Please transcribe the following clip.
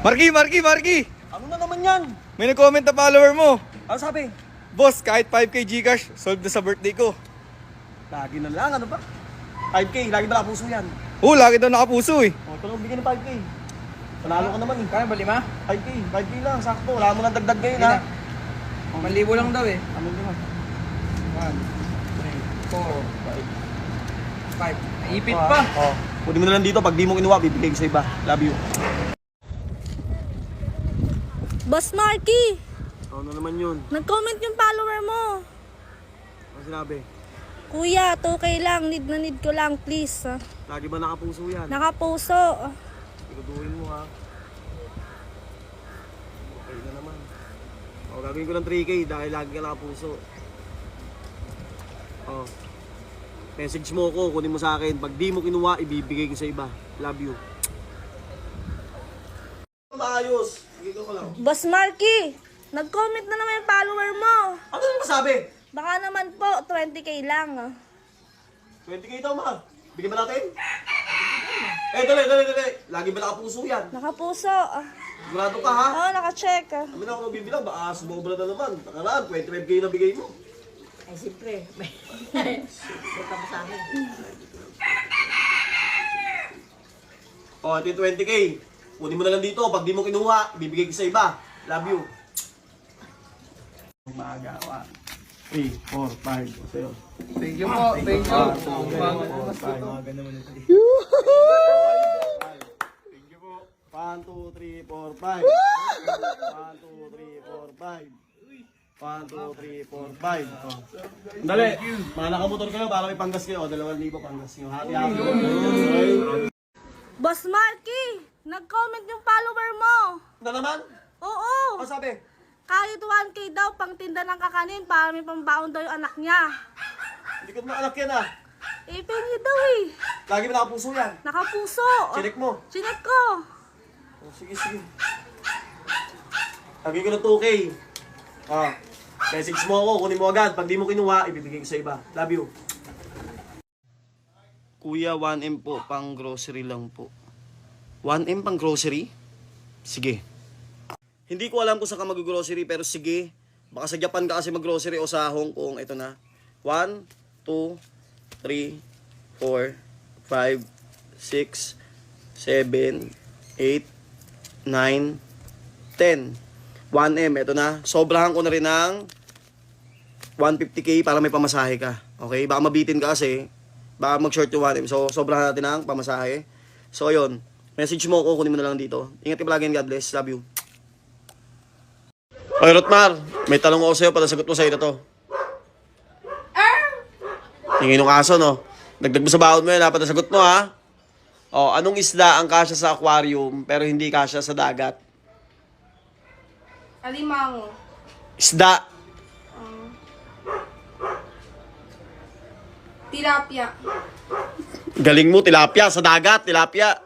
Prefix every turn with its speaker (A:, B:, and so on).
A: Marky!
B: Ano na naman yan?
A: May nag-comment na follower mo.
B: Ano sabi?
A: Boss, kahit 5k Gcash, solve na sa birthday ko.
B: Lagi na lang, ano ba? 5K, lagi ba nakapuso yan?
A: Oo, lagi daw nakapuso eh.
B: O, ito lang bigyan ng 5K. Panalo ka naman eh.
C: Kaya ba 5?
B: 5K lang, sakto. Wala mo nang dagdag ngayon
C: Hindi
B: ha.
C: na. 1,000 lang daw eh.
B: Ano naman?
C: 1, 3, 4, 5. Ipit pa.
B: Oh. Pwede mo na lang dito, pag di mo kinuha, bibigay ko sa iba. Love you.
D: Boss Marky,
B: Ano naman yun?
D: nag-comment yung follower mo.
B: Ano sinabi?
D: Kuya, 2K lang. Need na need ko lang, please.
B: Lagi ba nakapuso yan?
D: Nakapuso.
B: Iguduhin mo ha. Okay na naman. O, gagawin ko ng 3K dahil lagi ka nakapuso. O. Message mo ko, kunin mo sa akin. Pag di mo kinuha, ibibigay ko sa iba. Love you. Maayos. Bigay ko lang.
D: Boss Marky, nag-comment na naman yung follower mo.
B: Ano naman masabi?
D: Baka naman po, 20K lang.
B: 20K daw ma. Bigyan ba natin? Dali. Lagi ba nakapuso yan?
D: Nakapuso.
B: Sigurado ka ha?
D: Oo, nakacheck.
B: Kami na ako magbibilang, baka sumobra na naman. Nakaraan, 25K na bigay mo.
E: Ay, siyempre. May tama sa akin.
B: O, ito yung 20K. Kunin mo na lang dito. Pag di mo kinuha, bibigay ko sa iba. Love you. Umaga, 1, 3, 4, 5. O, sa'yo.
C: Thank you po. Thank you.
B: Umaga naman ito. Thank you po. 1, 2, 3, 4, 5. 1, 2, 3, 4, 5. 1, 2, 3, 4, 5. Dali. Mga nakamotor kayo para may panggas kayo. O, 2,000 panggas nyo. Hati-hati.
D: Boss Marky, nag-comment yung follower mo.
B: Na naman?
D: Oo.
B: Ano sabi?
D: Kahit 1K daw, pang tinda ng kakanin para may pambaon daw yung anak niya.
B: Hindi ko na anak yan ah.
D: Pengi daw eh.
B: Lagi ba nakapuso yan?
D: Nakapuso.
B: Chinek mo.
D: Chinek ko.
B: Oh, sige. Lagi ko na 2K. Ah, message mo ako, kunin mo agad. Pag di mo kinuha, ibibigay ko sa iba. Love you. Kuya, 1M po, pang grocery lang po. 1M pang grocery? Sige. Hindi ko alam kung saan ka mag-grocery, pero sige. Baka sa Japan ka kasi mag-grocery o sa Hong Kong. Ito na. 1, 2, 3, 4, 5, 6, 7, 8, 9, 10. 1M, ito na. Sobrahan ko na rin ng 150k para may pamasahe ka. Okay? Baka mabitin ka kasi. Baka mag-short yung 1M. So, sobrahan natin ng pamasahe. So, ayun. Message mo ako, kunin mo na lang dito. Ingat ka palagi and God bless. Love you. Oy, Rotmar. May tanong ako sa'yo. Palasagot mo sa'yo na to. Tingin yung aso, no? Dagdag mo sa baon mo yun, ha? Palasagot mo, ha? O, anong isda ang kasya sa aquarium pero hindi kasya sa dagat?
D: Alimango.
B: Isda.
D: Tilapia.
B: Galing mo, tilapia. Sa dagat, tilapia.